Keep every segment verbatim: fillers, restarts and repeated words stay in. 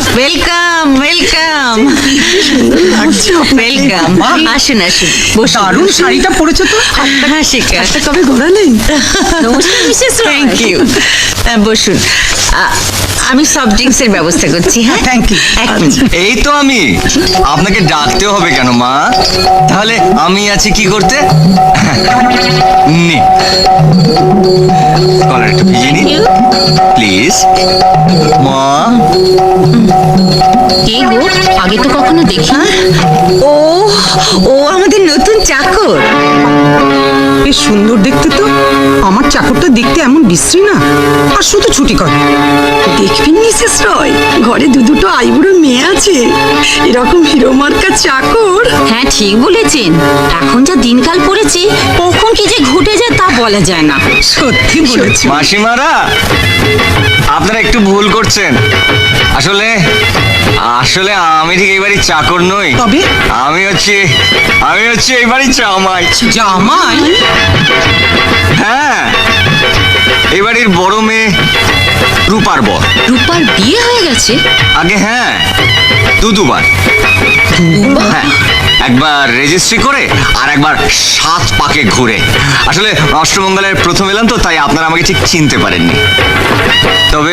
Welcome welcome welcome আসুন আসুন দারুণ শাড়িটা পরেছো তো। হ্যাঁ শিখা হাতটা কবে ঘোরা নেই। থ্যাংক ইউ বসুন আ- আমি সফট ড্রিঙ্কস এর ব্যবস্থা করছি হ্যাঁ থ্যাংক ইউ। এক মিনিট এই তো আমি আপনাকে ডাকতে হবে কেন মা? তাহলে আমি আছি কি করতে? নে কলার একটু ভিজিয়ে নি প্লিজ মা। কে গো, আগে তো কখনো দেখি না। ও ও আমাদের নতুন চাকর বেশ সুন্দর দেখতে তো। আমার চাকরটা দেখতে এমন বিশ্রী না, আর শুধু ছুটি করে। দেখবেন মিসেস রয়, ঘরে দু দুটো আইবুড়ো মেয়ে আছে, এরকম হিরো মার্কা চাকর। হ্যাঁ ঠিক বলেছেন, এখন যা দিনকাল পড়েছে কখন কি যে ঘটে যায় তা বলা যায় না। সত্যি বলেছি। মাসিমারা আপনারা একটু ভুল করছেন। আসলে আসলে আমি ঠিক এই বাড়ির চাকর নই। তবে? আমি হচ্ছে আমি হচ্ছে এই বাড়ির জামাই। জামাই? হ্যাঁ, এই বাড়ির বড় মেয়ে রূপার বর। রূপার বিয়ে হয়ে গেছে? আগে হ্যাঁ, দু দুবার। হ্যাঁ, একবার রেজিস্ট্রি করে আর একবার সাত পাকে ঘুরে। আসলে অষ্টমঙ্গলের প্রথম এলাম তো, তাই আপনারা আমাকে ঠিক চিনতে পারেননি। তবে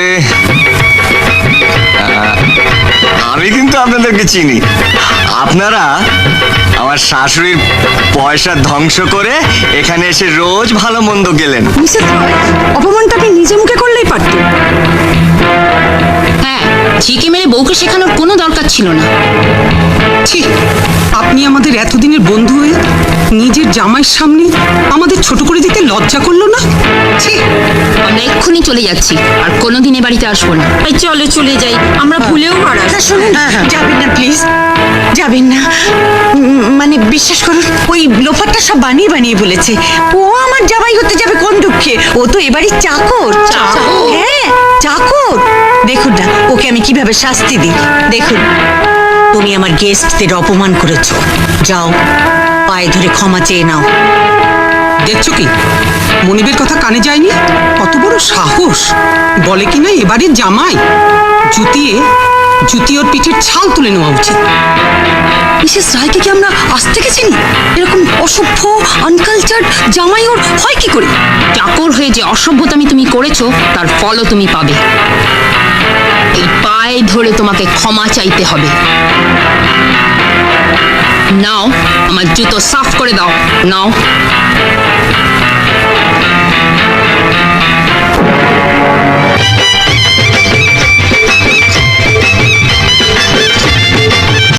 আহ, আমি কিন্তু আপনাদেরকে চিনি। আপনারা আমার শাশুড়ির পয়সা ধ্বংস করে এখানে এসে রোজ ভালো মন্দ গেলেন। মিসেস রয়, অপমানটা আপনি নিজে মুখে করলেই পারতেন। হ্যাঁ, ঝিকে মেরে বউকে শেখানোর কোনো দরকার ছিল না। ঠিক, আপনি আমাদের এতদিনের বন্ধু হয়ে নিজের জামাইয়ের সামনে আমাদের ছোট করে দিতে লজ্জা করলো না? ঠিক, আমরা এক্ষুনি চলে যাচ্ছি, আর কোনোদিন এ বাড়িতে আসবো না। এই চলো চলে যাই, আমরা ভুলেও পারা। আচ্ছা শুনুন যাবেন না প্লিজ যাবেন না উম, মানে বিশ্বাস করুন ওই লোফারটা সব বানিয়ে বানিয়ে বলেছে। ও আমার জামাই হতে যাবে কোন দুঃখে? ও তো এবারই চাকর। চাকর? হ্যাঁ চাকর। দেখুন না ওকে আমি কিভাবে শাস্তি দিই। দেখুন, তুমি আমার গেস্টদের অপমান করেছো, যাও পায়ে ধরে ক্ষমা চেয়ে নাও। দেখছো কি মনিবের কথা কানে যায়নি? কত বড় সাহস! বলে কিনা এবারের জামাই। জুতিয়ে জুতি ওর পিঠের ছাল তুলে নেওয়া উচিত। মিসেস রায়কে কি আমরা আজ থেকে চিনি? এরকম অসভ্য আনকালচার জামাই ওর হয় কি করে? চাকর হয়ে যে অসভ্যতামি তুমি করেছো তার ফলও তুমি পাবে। এই পায়ে ধরে তোমাকে ক্ষমা চাইতে হবে। নাও, আমার জুতো সাফ করে দাও। নাও।